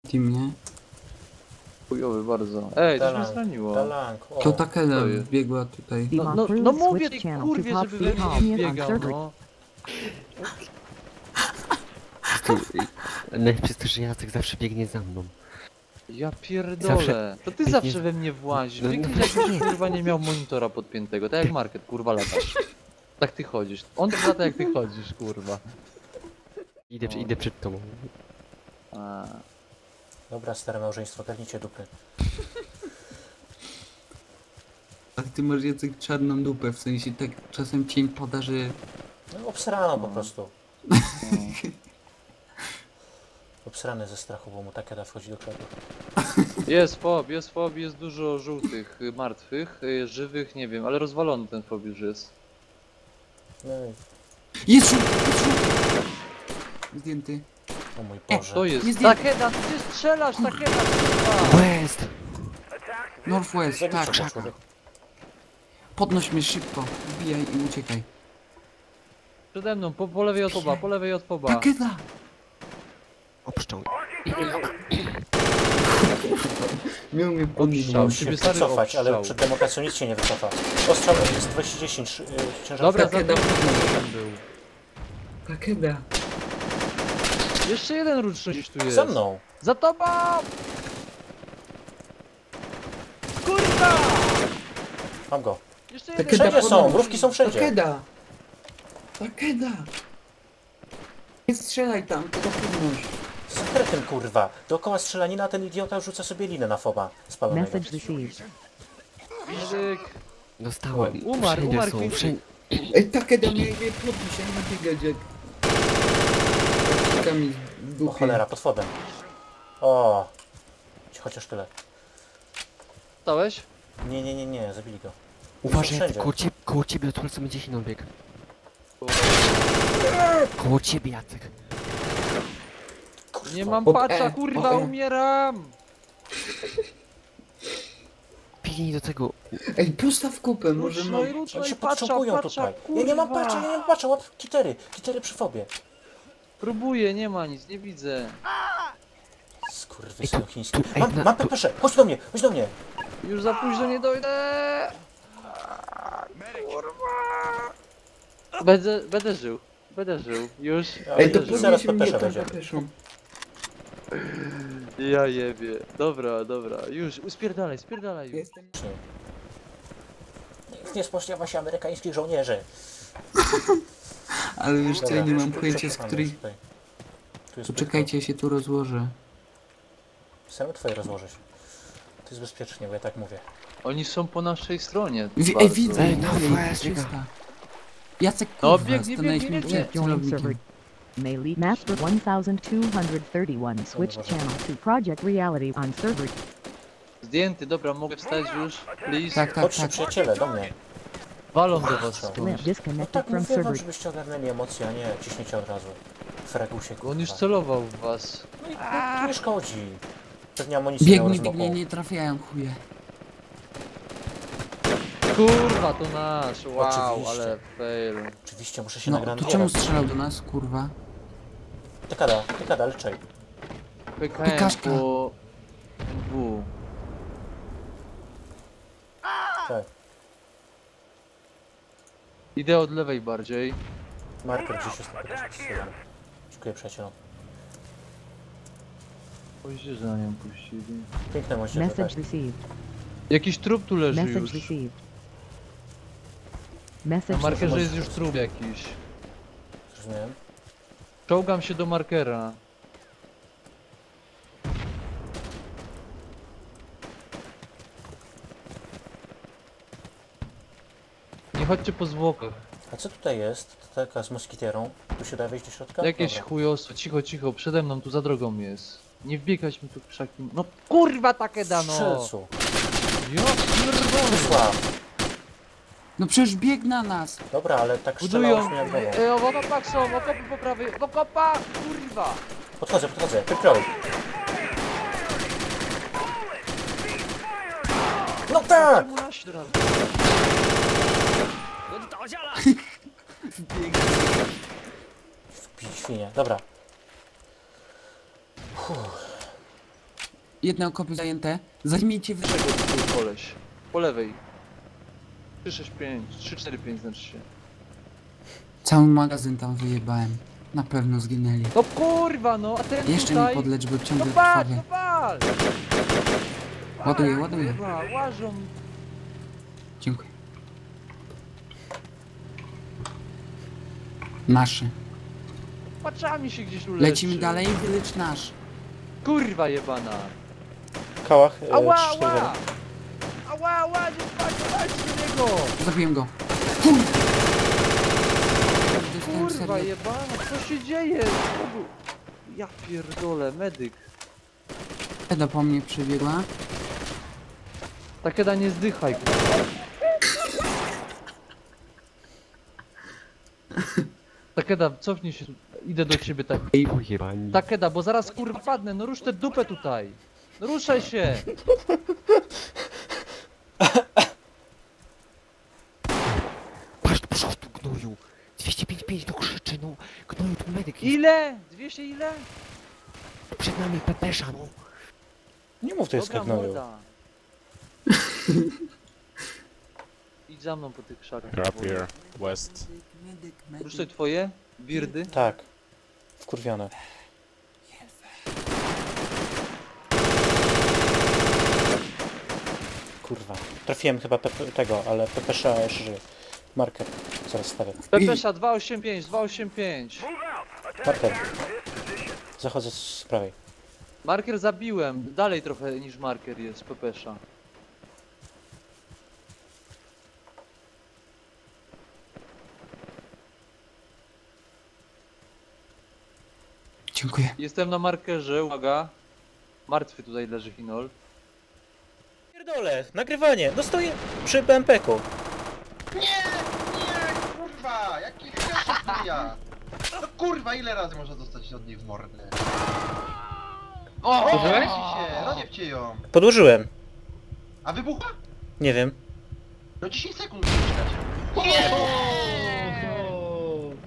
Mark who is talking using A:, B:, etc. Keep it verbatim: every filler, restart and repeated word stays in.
A: Team, nie?
B: Chujowy bardzo. Ej, coś mnie
C: Dalang,
B: zraniło.
C: Dalang, o.
A: To Takeda
B: to jest.
A: wbiegła tutaj.
B: No, no, no mówię tej kurwie, żeby we mnie nie biegał, no.
D: Tu, najlepsze jest to, że Jacek zawsze biegnie za mną.
B: Ja pierdolę.
D: Zawsze-
B: To ty
D: nie-
B: zawsze we mnie włazisz.
D: No,
B: Biegniesz
D: no,
B: jakbyś kurwa nie miał monitora podpiętego. Tak jak Market, kurwa latasz. Tak ty chodzisz. On tak lata jak ty chodzisz, kurwa.
D: Idę,
B: No.
D: idę przed tobą.
B: A.
C: Dobra, stare małżeństwo, garnijcie dupy.
A: Ale ty masz Jacek czarną dupę, w sensie tak czasem cień pada, że...
C: No obsrano po
B: No.
C: prostu.
B: No.
C: Obsrany ze strachu, bo mu Takeda wchodzi do klepu.
B: Jest fob, jest fob, jest dużo żółtych, y, martwych, y, żywych, nie wiem, ale rozwalony ten fob już jest.
C: No i...
A: Jest żółty, jest żółty! Zdjęty.
C: O mój
B: O,
C: Boże.
B: to jest.
A: Jest
B: Takeda, ty strzelasz, Takeda, kurwa!
D: West!
A: Northwest,
C: Zabijcie
A: tak.
C: go, człowiek.
A: Podnoś mnie szybko, wbijaj i uciekaj.
B: Przede mną, po, po lewej od foba, po lewej od foba.
A: Takeda!
D: Obszczą.
A: Miał mnie
B: Obstrzał.
C: Musiał się
B: Ciebie stary
C: wycofać, ale
B: obstrzał.
C: przed demokracją nic się nie wycofa. Ostrzał jest dwieście dziesięć, yy, ciężar.
B: Dobra,
A: Takeda.
B: za ten był.
A: Takeda!
B: Jeszcze jeden ruczny gdzieś tu jest.
C: Za mną!
B: Za tobą! Kurwa!
C: Mam go.
B: Jeszcze jeden.
A: Takeda
C: Wszędzie są,
A: podnoś.
C: mrówki są wszędzie.
A: Takeda! Takeda! Nie strzelaj tam, tylko podnoś.
C: Z sekretem, kurwa. Dookoła strzelanina, a ten idiota rzuca sobie linę na foba spalonego.
E: Message received.
B: Medyk.
D: Dostałem.
B: Umarł,
D: Wszędzie
B: umarł,
D: są,
B: Quincy.
D: wszędzie.
A: Ej, Takeda mnie mnie podnieś, ja nie biegać jak... Kami w
C: O
A: dupie.
C: cholera, pod fobem. O, chociaż tyle.
B: Stałeś?
C: Nie, nie, nie, nie, zabili go.
D: Uważaj,
C: wszędzie.
D: koło ciebie, koło ciebie od co będzie się bieg. Koło ciebie, Jacek.
C: Kurwa.
B: Nie mam
A: Pod
B: patcha,
A: E,
B: kurwa,
A: pod E.
B: umieram!
D: Pilnij do tego.
A: Ej, postaw kupę, może
B: Ruczno
A: mam...
B: i ruczno
C: Oni
B: i
C: się
B: patcha,
C: potrzebują
B: patcha,
C: tutaj. Ja nie mam
B: kurwa.
C: patcha, ja nie mam patcha, łap kitery. Kitery przy fobie.
B: Próbuję, nie ma nic, nie widzę.
C: Skurwysynu
D: Ej, tu-
C: chiński.
D: tu- ej,
C: Mam,
D: na-
C: mam
D: tu-
C: pepesze, chodź do mnie, chodź do mnie.
B: Już za późno nie dojdę. Kurwa. Będę, będę żył. Będę żył. Już.
A: Ej, to
B: będę żył.
C: zaraz
A: podnieś mnie
C: pepesze
A: tam
C: będzie.
A: pepeszą.
B: Ja jebie. Dobra, dobra. Już, uspierdalaj, spierdalaj już.
A: Jestem...
C: Nikt nie spośniawa się amerykańskich żołnierzy.
A: Ale wiesz co, ja nie mam pojęcia, z
C: Czekamy
A: której...
C: tutaj. Tu jest
A: Poczekajcie, ja się tu rozłożę.
C: Same twoje rozłożyć. To jest bezpiecznie, bo ja tak mówię.
B: Oni są po naszej stronie.
A: Wi
B: bardzo.
A: Ej, widzę!
D: Ej, no,
A: Ej,
D: weź,
A: trzysta. Jacek,
B: No,
A: kurwa,
B: biegnie,
A: stanąłeś
B: biegnie,
A: mi
B: biegnie.
A: przed
E: Joining server.
A: celownikiem.
E: Melee Master one thousand two hundred thirty-one switched channel to Project Reality on server.
B: Zdjęty, dobra, mogę wstać już? Please.
A: Tak, tak,
C: Chodźcie
A: tak.
C: przyjaciele, do mnie.
B: Walą do was
C: Limp
B: skądś.
E: Limp
C: No
E: disconnected
C: tak
E: from
C: mówię wam,
E: server.
C: żebyście ogarnęli emocje, a nie ciśniecie od razu. Fregusie, kurwa.
B: On już celował w was.
C: No i no, nie szkodzi. Pewnie amunicji miał
A: Biegnie,
C: rozmokłą.
A: biegnie, nie trafiają, chuje.
B: Kurwa, to nasz. Wow,
C: Oczywiście.
B: ale fail.
C: Oczywiście, muszę się
A: No,
C: nagrać.
A: to czemu strzelał do nas, kurwa?
C: Dekada, dekada, leczej.
B: P K M
A: Pikaszka.
B: po... W.
C: Tak.
B: Idę od lewej bardziej.
C: Marker gdzieś jest na pokazie. Dziękuję przyjacielom.
B: Boże, że na nią puścili.
C: Piękne moździerze,
E: Message
C: tak.
E: received.
B: Jakiś trup tu leży
E: Message
B: już.
E: received.
B: Na
E: Message
B: markerze
E: received.
B: jest już trup jakiś.
C: Zrozumiałem.
B: Czołgam się do markera. Nie chodźcie po zwłokach.
C: A co tutaj jest? To taka z moskitierą. Tu się da wejść do środka?
B: Jakieś
C: Dobra.
B: chujostwo, cicho, cicho, przede mną, tu za drogą jest. Nie wbiegać mi tu w krzaki. No kurwa takie dano!
C: Strzelcu.
B: Ja pierdolę!
C: Wysław.
A: No przecież bieg na nas!
C: Dobra, ale tak strzelało
B: Budują!
C: mnie jak głową.
B: E, w okopach są, okopy po prawej, w okopach! Kurwa!
C: Podchodzę, podchodzę. Wykroj. No tak!
B: Czemu na środek?
C: Wbić świnie. Dobra. Uff.
A: Jedne okopy zajęte. Zajmijcie wy...
B: Czego tu był koleś? Po lewej. trzy sześć pięć, trzy cztery pięć znaczy się.
A: Cały magazyn tam wyjebałem. Na pewno zginęli.
B: No kurwa no, a ten
A: Jeszcze
B: tutaj...
A: mi podlecz, bo
B: No
A: ciągle
B: patrz,
A: krwawie.
B: no patrz!
A: Ładuję, ładuję.
B: Kurwa, łażą.
A: Dziękuję. Nasze.
B: Paczami się gdzieś uleczy.
A: Lecimy dalej, wylecz nasz.
B: Kurwa jebana.
C: W kałach e,
B: Ała,
C: trzy cztery
B: ała! Ała, ała, nie patrz, patrz do niego!
A: Zabiłem go. Chuj! Dostałem
B: Kurwa
A: serio.
B: jebana, co się dzieje? Znowu- Ja pierdolę, medyk.
A: Eda po mnie przybiegła.
B: Takeda nie zdychaj, kurwa. Takeda, cofnij się, tu. Idę do ciebie tak.
D: Ej, pojebani.
B: Takeda, bo zaraz kurwa padnę, no rusz tę dupę tutaj. No ruszaj się!
D: Patrz do przodu, gnoju. dwieście pięćdziesiąt pięć to krzyczy, no. Gnoju, tu medyk jest.
B: Ile? dwieście ile?
D: Przed nami pepesza, no.
C: Nie mów to jest
B: Dobra,
C: gnoju.
B: morda. Idź za mną po tych krzakach.
F: Drop here, west.
A: Medyk, medyk,
B: Ruszaj twoje? Birdy?
C: Tak. Wkurwione. Kurwa. Trafiłem chyba pepe, tego, ale Pepesza jeszcze żyje. Marker. Zaraz stawię.
B: Pepesza dwa osiem pięć, dwa osiem pięć.
C: Marker. Zachodzę z prawej.
B: Marker zabiłem, dalej trochę niż marker jest Pepesza.
A: Dziękuję.
B: Jestem na markerze, uwaga. Martwy tutaj leży Hinol.
C: Pierdolę, nagrywanie. No stoję przy B M P-ku.
G: Nie, nie, kurwa, jaki headshot ja. No kurwa, ile razy można dostać od nich w mordę? O,
B: Użyłeś?
G: się, rozjebcie ją.
C: Podłożyłem.
G: A wybuchła?
C: Nie wiem.
G: No dziesięć sekund muszę czekać. Nie!